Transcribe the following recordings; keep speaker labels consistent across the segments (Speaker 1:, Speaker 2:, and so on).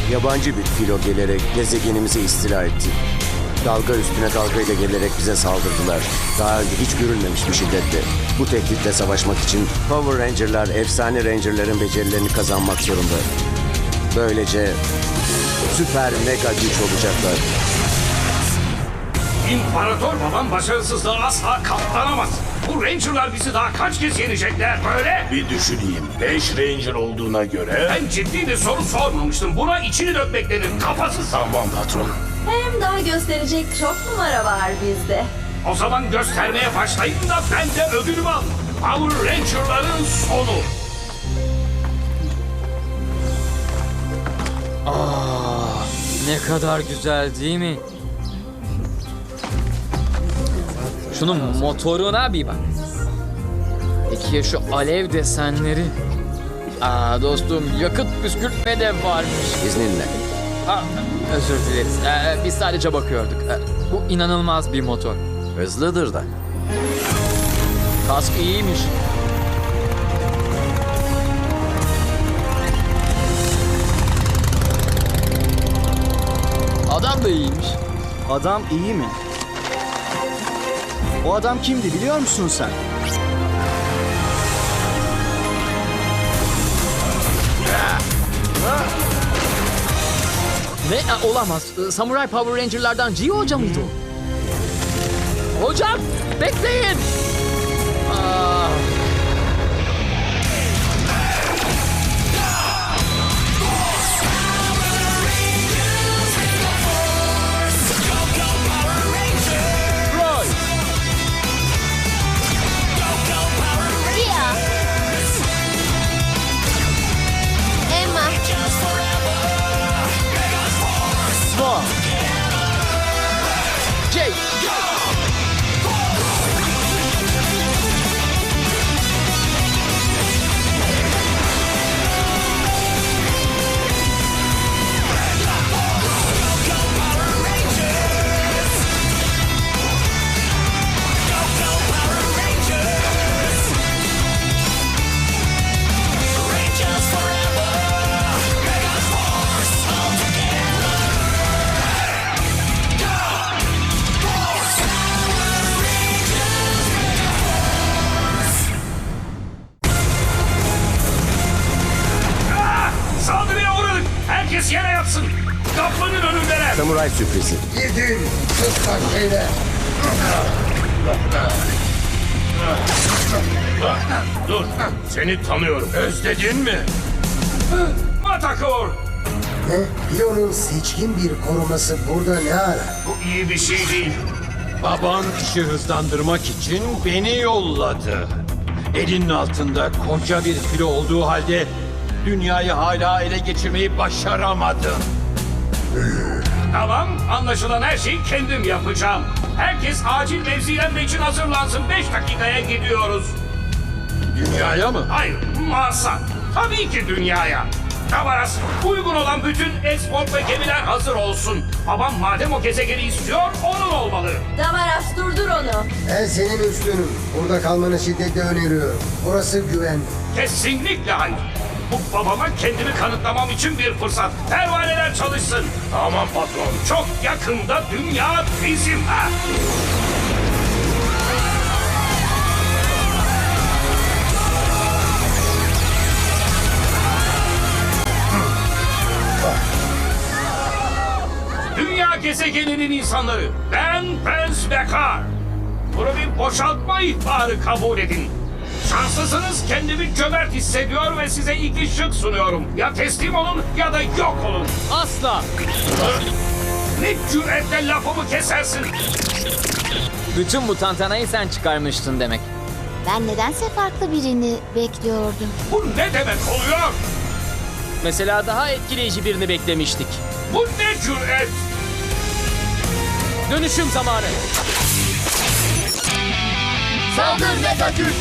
Speaker 1: Yabancı bir filo gelerek gezegenimizi istila etti. Dalga üstüne dalgayla gelerek bize saldırdılar. Daha önce hiç görülmemiş bir şiddetle. Bu tehditle savaşmak için Power Ranger'lar efsane Ranger'ların becerilerini kazanmak zorunda. Böylece süper mega güç olacaklar.
Speaker 2: İmparator babam başarısızlığa asla katlanamaz. Bu Ranger'lar bizi daha kaç kez yenecekler böyle?
Speaker 3: Bir düşüneyim. 5 Ranger olduğuna göre...
Speaker 2: Ben ciddi bir soru sormamıştım. Buna içini dökmek denir. Kafasız.
Speaker 3: Tamam patron.
Speaker 4: Hem daha gösterecek çok numara var bizde.
Speaker 2: O zaman göstermeye başlayın da ben de ödülümü al. Power Ranger'ların sonu.
Speaker 5: Ne kadar güzel değil mi? Şunun motoruna bir bak. Peki ya şu alev desenleri? Aa dostum, yakıt püskürtme de varmış.
Speaker 1: İzninle.
Speaker 5: Aa, özür dileriz. Biz sadece bakıyorduk. Bu inanılmaz bir motor.
Speaker 1: Hızlıdır da.
Speaker 5: Kask iyiymiş. Adam da iyiymiş.
Speaker 6: Adam iyi mi? O adam kimdi biliyor musun sen?
Speaker 5: Ne? Olamaz. Samurai Power Ranger'lardan Gio Hoca mıydı o? Hocam! Bekleyin! Aa. Roy!
Speaker 4: Lia. Emma.
Speaker 6: Swan.
Speaker 5: Jake!
Speaker 2: Saldırıya uğradık. Herkes yere yatsın. Kapının önündeler.
Speaker 1: Samuray sürprizi.
Speaker 3: Gidin. Kıskan şeyler. Dur. Seni tanıyorum. Özledin mi?
Speaker 2: Matakor.
Speaker 7: Piyonun seçkin bir koruması burada ne arar?
Speaker 2: Bu iyi bir şey değil.
Speaker 8: Baban işi hızlandırmak için beni yolladı. Elinin altında koca bir filo olduğu halde dünyayı hala ele geçirmeyi başaramadın.
Speaker 2: Tamam, anlaşılan her şeyi kendim yapacağım. Herkes acil mevzilenme için hazırlansın. 5 dakikaya gidiyoruz.
Speaker 8: Dünyaya mı?
Speaker 2: Hayır, Mars'a. Tabii ki dünyaya. Tavaras, uygun olan bütün export ve gemiler hazır olsun. Babam madem o gezegeni istiyor, onun olmalı.
Speaker 4: Damaras durdur onu.
Speaker 7: Ben senin üstünüm. Burada kalmanı şiddetle öneriyorum. Burası güvenli.
Speaker 2: Kesinlikle hayır. Bu babama kendimi kanıtlamam için bir fırsat. Pervaneler çalışsın.
Speaker 3: Tamam patron.
Speaker 2: Çok yakında dünya bizim. Ha? Dünya gezegeninin insanları. Ben Prince Bekar. Bunu bir boşaltma ihbarı kabul edin. Şanslısınız, kendimi cömert hissediyor ve size iki şık sunuyorum. Ya teslim olun ya da yok olun.
Speaker 5: Asla!
Speaker 2: Ne cüretle lafımı kesersin.
Speaker 5: Bütün bu tantanayı sen çıkarmıştın demek.
Speaker 9: Ben nedense farklı birini bekliyordum.
Speaker 2: Bu ne demek oluyor?
Speaker 5: Mesela daha etkileyici birini beklemiştik.
Speaker 2: Bu ne cüret?
Speaker 5: Dönüşüm zamanı.
Speaker 3: Saldır mega güç.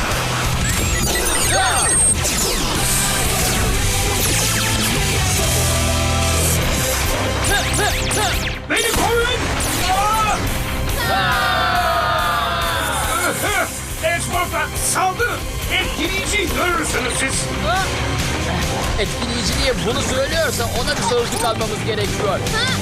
Speaker 2: Beni koruyun! Exportlar saldırın! Etkileyici görürsünüz siz!
Speaker 5: Etkileyici diye bunu söylüyorsa ona bir sözlük almamız gerekiyor.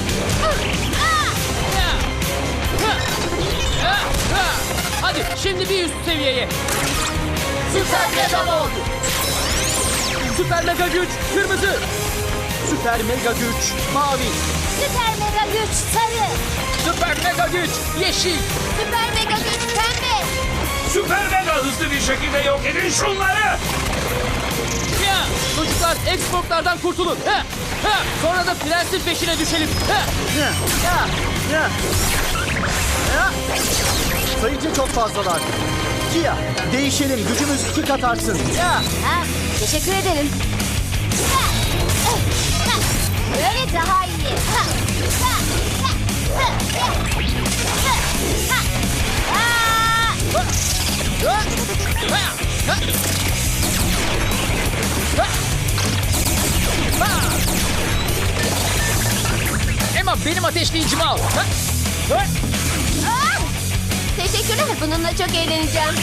Speaker 5: Hadi şimdi bir üst seviyeye. Süper Mega Mod. Süper Mega Güç kırmızı.
Speaker 6: Süper mega güç mavi.
Speaker 9: Süper mega güç sarı.
Speaker 5: Süper Mega Güç yeşil.
Speaker 9: Süper mega güç pembe.
Speaker 2: Süper mega hızlı bir şekilde yok edin şunları.
Speaker 5: Ya, çocuklar Xbox'lardan kurtulun. Sonra da prensin peşine düşelim.
Speaker 6: Ya, ya. Ya. Sayıca çok fazlalar. Kia, değişelim. Gücümüz 2 kat artsın. Ya.
Speaker 9: Ha, teşekkür ederim. Böyle daha iyi.
Speaker 5: Emma benim ateşleyicimi al.
Speaker 9: Teşekkürler. Bununla çok eğleneceğim.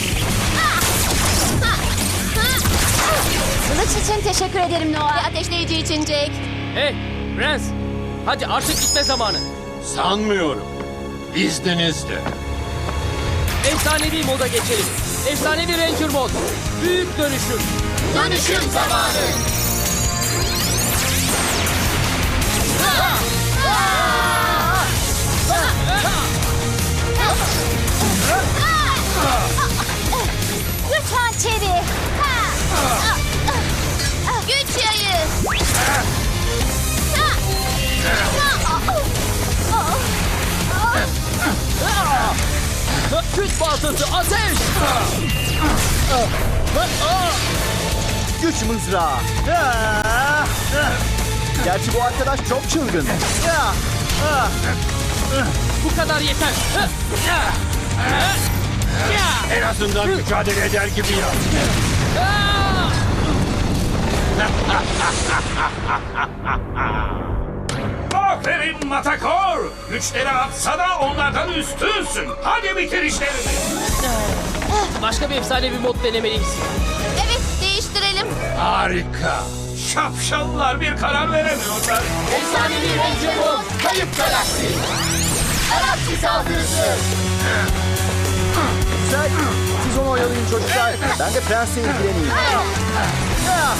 Speaker 9: Kılıç için teşekkür ederim Noah. Ateşleyici için Jake.
Speaker 5: Hey prens. Hadi artık gitme zamanı.
Speaker 8: Sanmıyorum. İzninizle.
Speaker 5: Efsanevi moda geçelim. Efsanevi Ranger mod. Büyük dönüşüm.
Speaker 9: Dönüşüm zamanı. Güç hançeri. Güç yayı.
Speaker 5: Güç baltası ateş.
Speaker 6: Güç mızrağı. Ya. Gerçi bu arkadaş çok çılgın. Ya.
Speaker 5: Bu kadar yeter.
Speaker 8: En azından mücadele eder gibi yap.
Speaker 2: Aferin Matakor. Güçleri atsa da onlardan üstünsün. Hadi bitir işlerini.
Speaker 5: Başka bir efsanevi mod denemeliyiz.
Speaker 9: Evet, değiştirelim.
Speaker 8: Harika.
Speaker 2: Şapşallar bir karar veremiyorlar.
Speaker 5: Efsanevi Ranger mod. Kayıp galaksi.
Speaker 9: Galaksi saldırısı.
Speaker 6: Güzel. Siz onu oyalayın çocuklar. Ben de prensle ilgileneyim. Ya.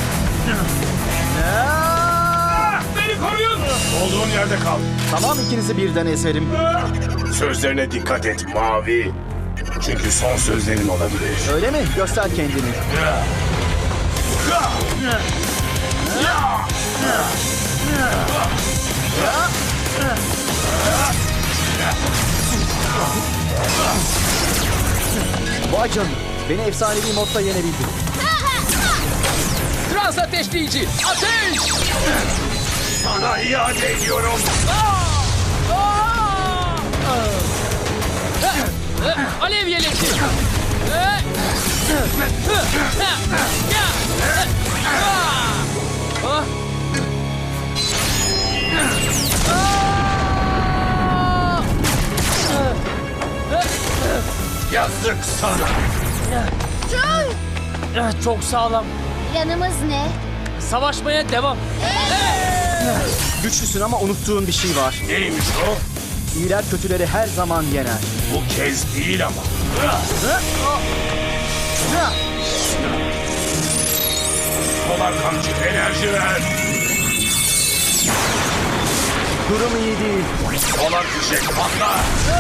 Speaker 6: Ya.
Speaker 2: Ah, beni koruyun.
Speaker 3: Olduğun yerde kal.
Speaker 6: Tamam, ikinizi birden ezerim.
Speaker 3: Sözlerine dikkat et Mavi. Çünkü son sözlerin olabilir.
Speaker 6: Öyle mi? Göster kendini. Vay canına. Beni efsanevi modda yenebildin.
Speaker 5: Trans ateşleyici. Ateş.
Speaker 3: Sana iade ediyorum.
Speaker 5: Alev yeleki.
Speaker 3: Yazık sana.
Speaker 5: Çok sağlam.
Speaker 9: Planımız ne?
Speaker 5: Savaşmaya devam.
Speaker 6: Güçlüsün ama unuttuğun bir şey var.
Speaker 3: Neymiş o?
Speaker 6: İyiler kötüleri her zaman yener.
Speaker 3: Bu kez değil ama. Polar kamçı enerji ver.
Speaker 6: Durum iyi değil.
Speaker 3: Polar fişek patla.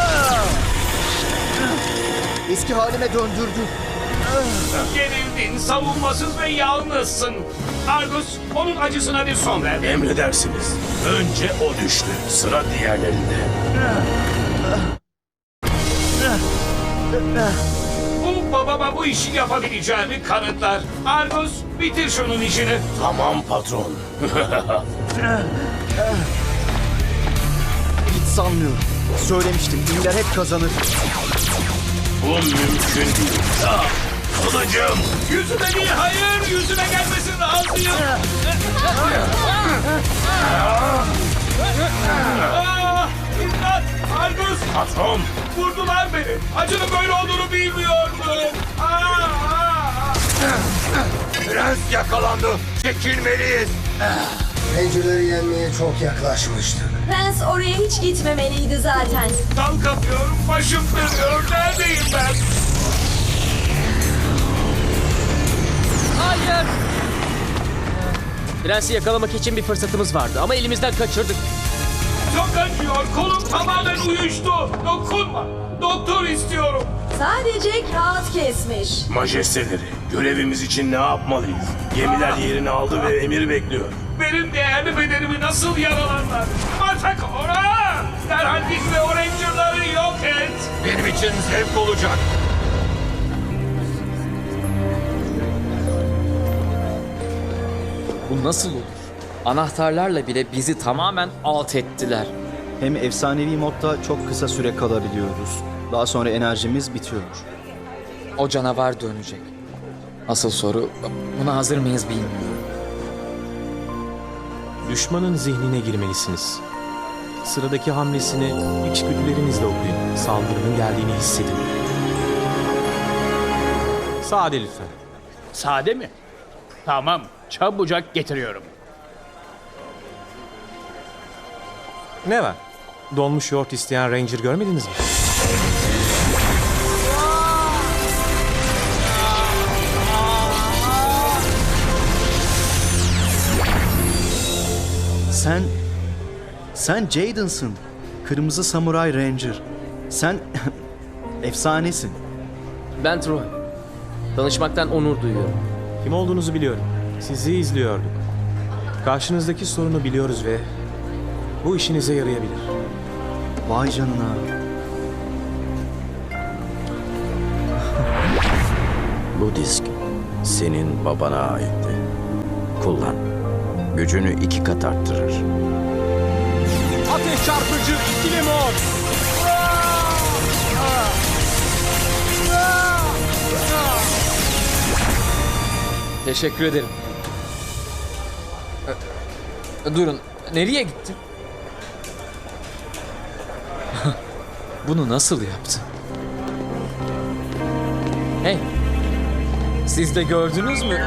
Speaker 6: Eski halime döndürdü.
Speaker 2: Yenildin, savunmasız ve yalnızsın. Argus, onun acısına bir son ver.
Speaker 3: Emredersiniz. Önce o düştü. Sıra diğerlerinde.
Speaker 2: Bu babama bu işi yapabileceğimi kanıtlar. Argus, bitir şunun işini.
Speaker 3: Tamam patron.
Speaker 6: Hiç sanmıyorum. Söylemiştim, iyiler hep kazanır.
Speaker 3: Bu mümkün değil. Ah, kılıcım.
Speaker 2: Yüzüme değil, hayır, yüzüme gelmesin razıyım. İmdat, Argus,
Speaker 3: Patron.
Speaker 2: vurdular beni. Acının böyle olduğunu bilmiyordum.
Speaker 8: Prens yakalandı. Çekilmeliyiz.
Speaker 7: Ranger'ları yenmeye çok yaklaşmıştık.
Speaker 4: Prens oraya hiç gitmemeliydi zaten.
Speaker 2: Dal kapıyorum, başım dönüyor. Neredeyim ben?
Speaker 5: Hayır.
Speaker 10: Prensi yakalamak için bir fırsatımız vardı ama elimizden kaçırdık.
Speaker 2: Çok acıyor. Kolum tamamen uyuştu. Dokunma. Doktor istiyorum.
Speaker 4: Sadece kağıt kesmiş.
Speaker 3: Majesteleri, görevimiz için ne yapmalıyız? Gemiler yerini aldı ve emir bekliyor.
Speaker 2: Benim değerli bedenimi nasıl yaralarlar? Matakora! Derhal git ve o Ranger'ları yok et.
Speaker 8: Benim için zevk olacak.
Speaker 5: Bu nasıl olur? Anahtarlarla bile bizi tamamen alt ettiler.
Speaker 6: Hem efsanevi modda çok kısa süre kalabiliyoruz. Daha sonra enerjimiz bitiyor.
Speaker 5: O canavar dönecek. Asıl soru, buna hazır mıyız bilmiyorum.
Speaker 11: Düşmanın zihnine girmelisiniz. Sıradaki hamlesini içgüdülerinizle okuyun. Saldırının geldiğini hissedin. Sade lütfen.
Speaker 10: Sade mi? Tamam, çabucak getiriyorum.
Speaker 11: Ne var? Donmuş yoğurt isteyen Ranger görmediniz mi?
Speaker 6: Sen Jaden'sın. Kırmızı Samuray Ranger. Sen efsanesin.
Speaker 10: Ben Troy. Tanışmaktan onur duyuyorum.
Speaker 11: Kim olduğunuzu biliyorum. Sizi izliyorduk. Karşınızdaki sorunu biliyoruz ve bu işinize yarayabilir.
Speaker 6: Vay canına.
Speaker 1: Bu disk senin babana aitti. Kullan. Gücünü 2 kat arttırır.
Speaker 11: Ateş çarpıcı ikili mod.
Speaker 5: Teşekkür ederim. Durun, nereye gitti? Bunu nasıl yaptı? Hey, siz de gördünüz mü?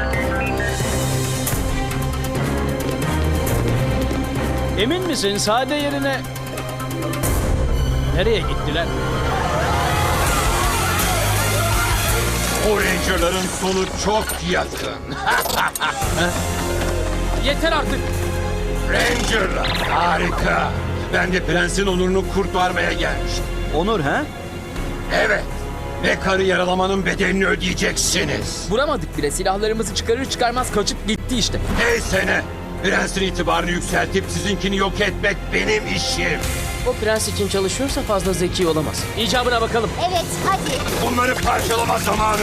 Speaker 10: Emin misin sade yerine... Nereye gittiler?
Speaker 8: O Ranger'ların sonu çok yakın.
Speaker 10: Yeter artık.
Speaker 8: Ranger'lar harika. Ben de prensin onurunu kurtarmaya gelmiştim.
Speaker 6: Onur ha?
Speaker 8: Evet. Ve karı yaralamanın bedelini ödeyeceksiniz.
Speaker 5: Vuramadık bile, silahlarımızı çıkarır çıkarmaz kaçıp gitti işte.
Speaker 8: Neyse ne. Prensin itibarını yükseltip sizinkini yok etmek benim işim.
Speaker 10: O prens için çalışıyorsa fazla zeki olamaz. İcabına bakalım.
Speaker 9: Evet, hadi.
Speaker 8: Bunları parçalama zamanı.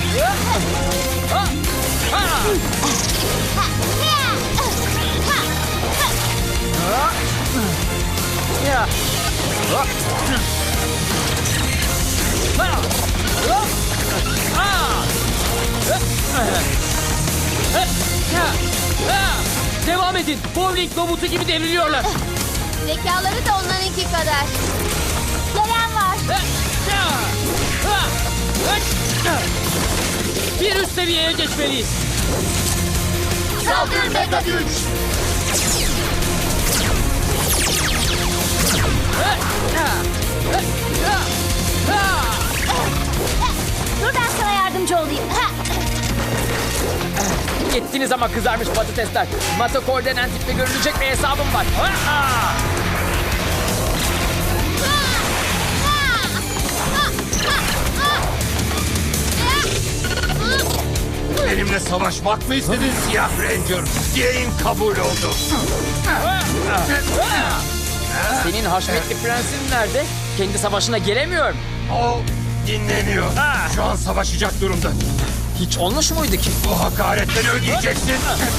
Speaker 10: Devam edin. Bowling robotu gibi devriliyorlar.
Speaker 9: Zekaları da onlarınki kadar. Gelen var.
Speaker 10: Bir üst seviyeye geçmeliyiz.
Speaker 9: Saldır mega güç. Dur ben sana yardımcı olayım.
Speaker 5: Gittiniz ama kızarmış patatesler. Matakor denen tiple görülecek bir hesabım var.
Speaker 8: Benimle savaşmak mı istedin Siyah Ranger? Dileğin kabul oldu.
Speaker 5: Senin haşmetli prensin nerede? Kendi savaşına gelemiyor mu?
Speaker 8: O dinleniyor. Şu an savaşacak durumda.
Speaker 5: Hiç olmuş muydu ki?
Speaker 8: Bu hakaretleri ödeyeceksin.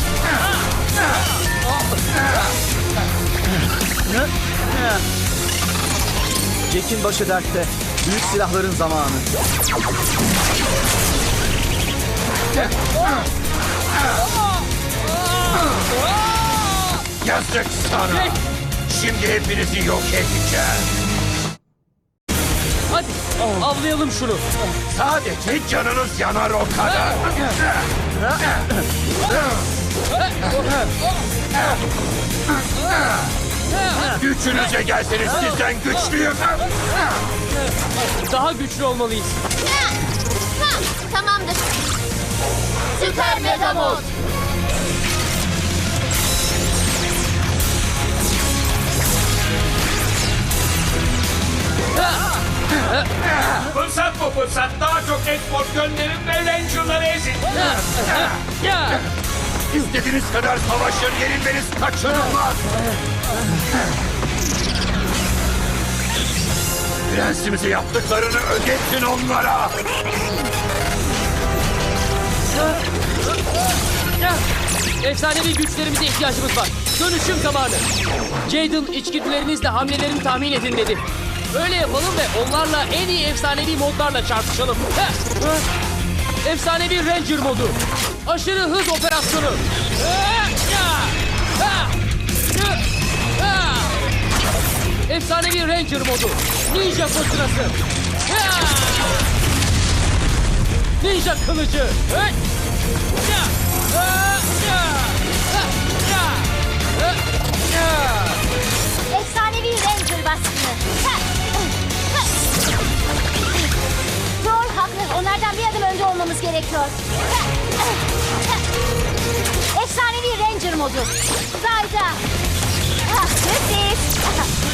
Speaker 6: Jack'in başı dertte. Büyük silahların zamanı.
Speaker 8: Yazık sana. Şimdi hepinizi yok edeceğim.
Speaker 10: Hadi avlayalım şunu.
Speaker 3: Sadece canınız yanar o kadar. Gücünüze gelseniz sizden güçlüyüm.
Speaker 10: Daha güçlü olmalıyız.
Speaker 9: Tamamdır. Süper Mega Mod.
Speaker 2: Fırsat bu fırsat. Daha çok export gönderin ve Ranger'ları ezin.
Speaker 10: Ya!
Speaker 3: İstediğiniz kadar savaşın, yenilmeniz kaçınılmaz. Prensimize yaptıklarını ödettin onlara.
Speaker 10: Efsanevi güçlerimize ihtiyacımız var. Dönüşüm zamanı. Jaden içgüdülerinizle hamlelerimi tahmin edin dedi. Öyle yapalım ve onlarla en iyi efsanevi modlarla çarpışalım. Efsanevi Ranger modu. Aşırı hız operasyonu. Efsanevi Ranger modu. Ninja fırtınası. Ninja kılıcı.
Speaker 9: Efsanevi Ranger baskını. Troll haklı. Onlardan bir adım önde olmamız gerekiyor. Efsanevi Ranger modu. Zayda. Sürpriz.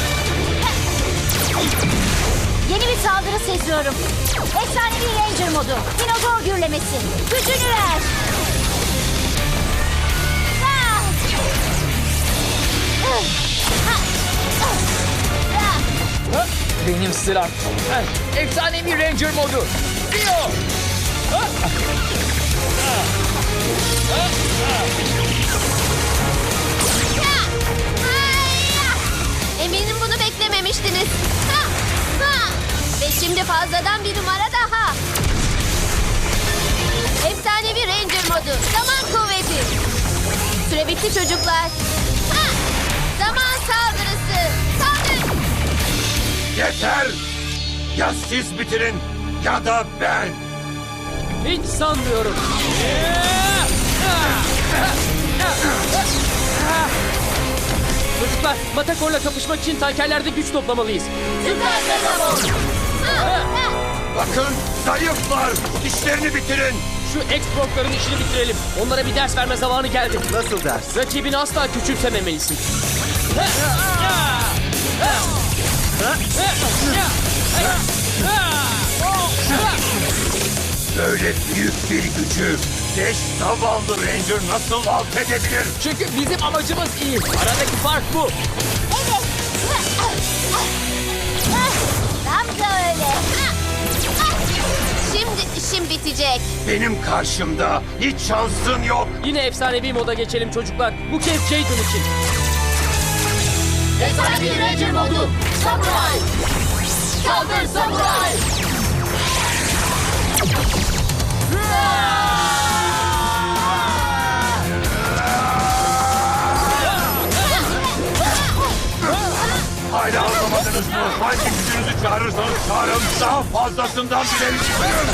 Speaker 9: Yeni bir saldırı seziyorum. Efsanevi Ranger modu. Dinozor gürlemesi. Gücünü ver.
Speaker 5: Benim sıram. Efsanevi Ranger modu. Rio!
Speaker 9: Eminim bunu beklememiştiniz. Ve şimdi fazladan bir numara daha. Efsanevi Ranger modu. Zaman kuvveti. Süre bitti çocuklar. Zaman saldırısı. Saldır.
Speaker 3: Yeter! Ya siz bitirin ya da ben.
Speaker 10: Hiç sanmıyorum. Çocuklar, Matakor'la kapışmak için tankerlerde güç toplamalıyız.
Speaker 9: Süper Mega Mod.
Speaker 3: Bakın zayıflar. İşlerini bitirin.
Speaker 10: Şu X-Brok'ların işini bitirelim. Onlara bir ders verme zamanı geldi.
Speaker 6: Nasıl ders?
Speaker 10: Rakibini asla küçümsememelisin.
Speaker 3: Böyle büyük bir gücü 5 zavallı Ranger nasıl alt edebilir?
Speaker 10: Çünkü bizim amacımız iyi. Aradaki fark bu.
Speaker 9: Evet. Tam da öyle. Şimdi işim bitecek.
Speaker 3: Benim karşımda hiç şansın yok.
Speaker 10: Yine efsanevi moda geçelim çocuklar. Bu kez Jaden için.
Speaker 9: Efsanevi Ranger modu. Samuray. Saldır Samuray.
Speaker 3: Hala anlamadınız mı? Hangi gücünüzü çağırırsanız çağırın. Daha fazlasından bile istiyorum.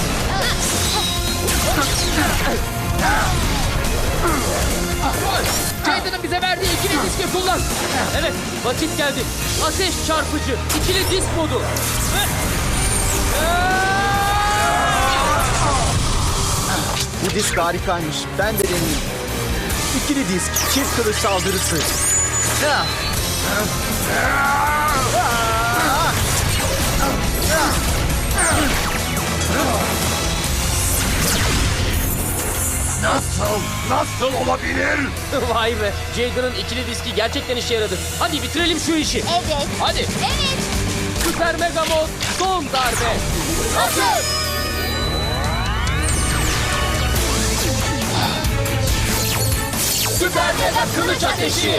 Speaker 10: Jaden'ın bize verdiği ikili diski kullan. Evet, vakit geldi. Ateş çarpıcı, ikili disk modu.
Speaker 6: Bu disk harikaymış. Ben de deneyeyim. İkili disk, çift kılıç saldırısı.
Speaker 3: Nasıl olabilir?
Speaker 10: Vay be, Jaden'ın ikili diski gerçekten işe yaradı. Hadi bitirelim şu işi.
Speaker 9: Evet.
Speaker 10: Hadi.
Speaker 9: Evet.
Speaker 10: Süper Mega Mod son darbe.
Speaker 9: Hazır.
Speaker 10: Süper Mega kılıç ateşi.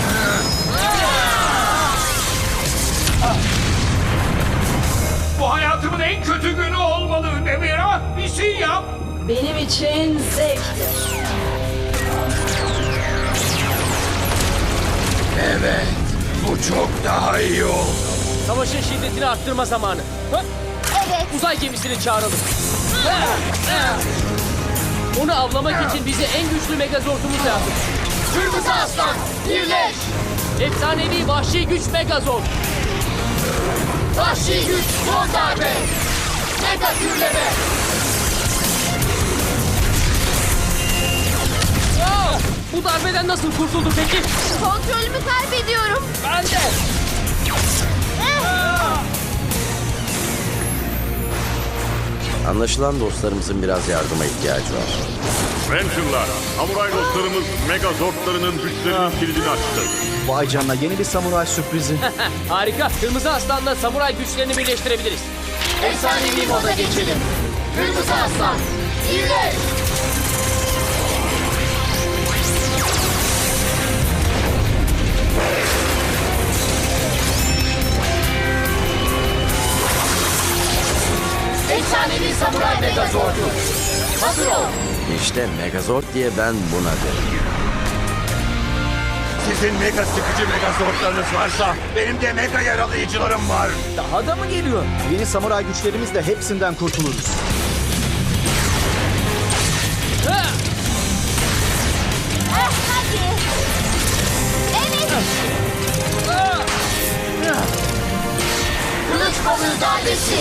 Speaker 2: Bu hayatımın en kötü günü olmalı. Nemira, bir şey yap.
Speaker 4: Benim için zevktir.
Speaker 3: Evet, bu çok daha iyi oldu.
Speaker 10: Savaşın şiddetini arttırma zamanı.
Speaker 9: Evet.
Speaker 10: Uzay gemisini çağıralım. Onu avlamak için bize en güçlü Megazord'umuz lazım.
Speaker 9: Kırmızı Aslan, birleş.
Speaker 10: Efsanevi vahşi güç Megazord.
Speaker 9: Vahşi güç, son darbe. Mega gürleme.
Speaker 10: Bu darbeden nasıl kurtuldu peki?
Speaker 9: Kontrolümü kaybediyorum.
Speaker 10: Ben de.
Speaker 1: Anlaşılan dostlarımızın biraz yardıma ihtiyacı var.
Speaker 3: Ranger'lar, samuray dostlarımız Megazordlarının güçlerinin kilidini açtı.
Speaker 6: Vay canına, yeni bir samuray sürprizi.
Speaker 10: Harika. Kırmızı Aslan'la samuray güçlerini birleştirebiliriz.
Speaker 9: Efsanevi moda geçelim. Kırmızı Aslan, birleş. Efsanevi samuray Megazord'u. Hazır ol.
Speaker 1: İşte Megazord diye ben buna derim.
Speaker 3: Sizin mega sıkıcı Megazordlarınız varsa benim de mega yaralayıcılarım var.
Speaker 5: Daha da mı geliyor?
Speaker 6: Yeni samuray güçlerimizle hepsinden kurtuluruz.
Speaker 9: Hadi. Evet. Kılıç balığı darbesi.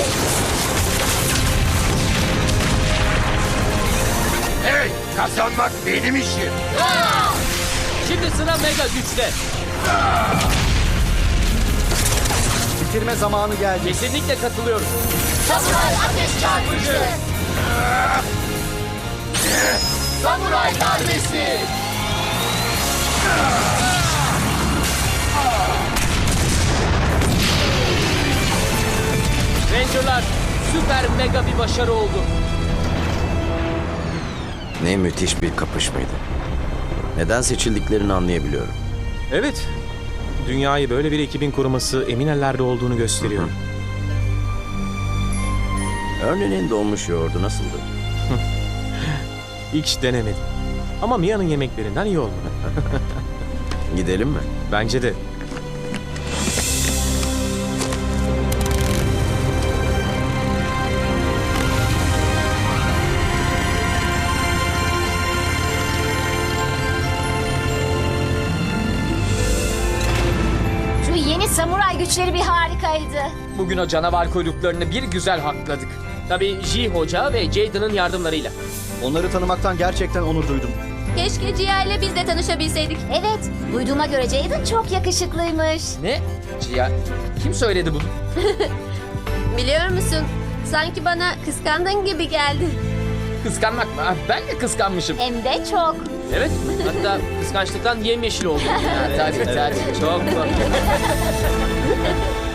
Speaker 3: Hey, kazanmak benim işim.
Speaker 10: Şimdi sıra mega güçte.
Speaker 6: Bitirme zamanı geldi.
Speaker 10: Kesinlikle katılıyorum.
Speaker 9: Samuray ateş çarpıcı. Samuray darbesi.
Speaker 10: Ranger'lar süper mega bir başarı oldu.
Speaker 1: Ne müthiş bir kapışmaydı. Neden seçildiklerini anlayabiliyorum.
Speaker 11: Evet. Dünyayı böyle bir ekibin koruması emin ellerde olduğunu gösteriyor.
Speaker 1: Örneğin donmuş yoğurdu nasıldı?
Speaker 11: Hiç denemedim. Ama Mia'nın yemeklerinden iyi olmalı.
Speaker 1: Gidelim mi?
Speaker 11: Bence de.
Speaker 9: Şu yeni samuray güçleri bir harikaydı.
Speaker 10: Bugün o canavar kuyruklarını bir güzel hakladık. Tabii J Hoca ve Jaden'ın yardımlarıyla.
Speaker 6: Onları tanımaktan gerçekten onur duydum.
Speaker 9: Keşke Cia ile biz de tanışabilseydik. Evet, duyduğuma göre Jaden çok yakışıklıymış.
Speaker 10: Ne? Cia, kim söyledi bunu?
Speaker 9: Biliyor musun? Sanki bana kıskandın gibi geldi.
Speaker 10: Kıskanmak mı? Ah, ben de kıskanmışım.
Speaker 9: Hem de çok.
Speaker 10: Evet, hatta kıskançlıktan yemyeşil oldum. Tabii, çok.